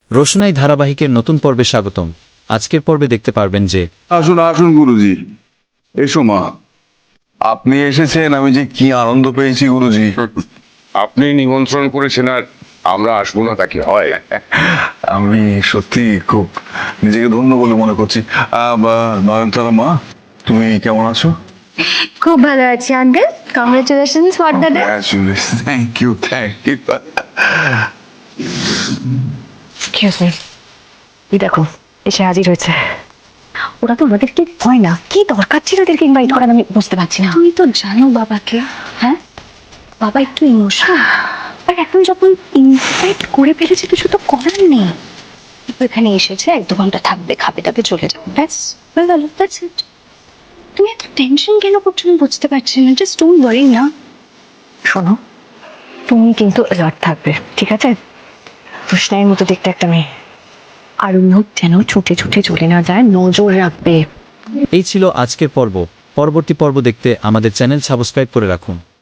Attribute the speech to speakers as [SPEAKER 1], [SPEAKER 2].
[SPEAKER 1] রোশনাই ধারাবাহিকের নতুন পর্বে স্বাগতম। আজকের পর্বে দেখতে পারবেন যে
[SPEAKER 2] আসুন আসুন গুরুজি, এসো মা। আপনি এসেছেন, আমি যে কি আনন্দ পেয়েছি গুরুজি।
[SPEAKER 3] আপনি নিমন্ত্রণ করেছেন আর আমরা আসবো না, তাকে হয়?
[SPEAKER 2] আমি সত্যি খুব নিজেকে ধন্য বলে মনে করছি। নয়নতারা মা, তুমি কেমন আছো?
[SPEAKER 4] খুব ভালো আছি uncle. Congratulations for the day.
[SPEAKER 2] Thank you thank you.
[SPEAKER 4] Excuse me, এই দেখো এসে হাজির হয়েছে। ওরা তো ওদেরকে হয় না, কি দরকার ছিল ওদেরকে ইনভাইট করার আমি বুঝতে পারছি না।
[SPEAKER 5] তুমি তো জানো বাবাকে।
[SPEAKER 4] হ্যাঁ,
[SPEAKER 5] বাবা একটু ইমোশনাল, আর এখন যখন ইনভাইট করে ফেলেছে কিছু তো করার নেই। এখানে এসেছে, 1-2 ঘন্টা থাকবে, খাবে দাবে চলে যাবে, ব্যাস হয়ে গেল, দ্যাটস ইট। তুমি এত টেনশন কেন করছো আমি বুঝতে পারছি না। জাস্ট ডোন্ট ওয়ারি না।
[SPEAKER 4] শোনো, তুমি কিন্তু অ্যালার্ট থাকবে, ঠিক আছে? রোশনাইয়ের মতো দেখতে একটা মেয়ে, আর লোক যেন ছুটে ছুটে চলে না যায়, নজর রাখবে।
[SPEAKER 1] এই ছিল আজকের পর্ব। পরবর্তী পর্ব দেখতে আমাদের চ্যানেল সাবস্ক্রাইব করে রাখুন।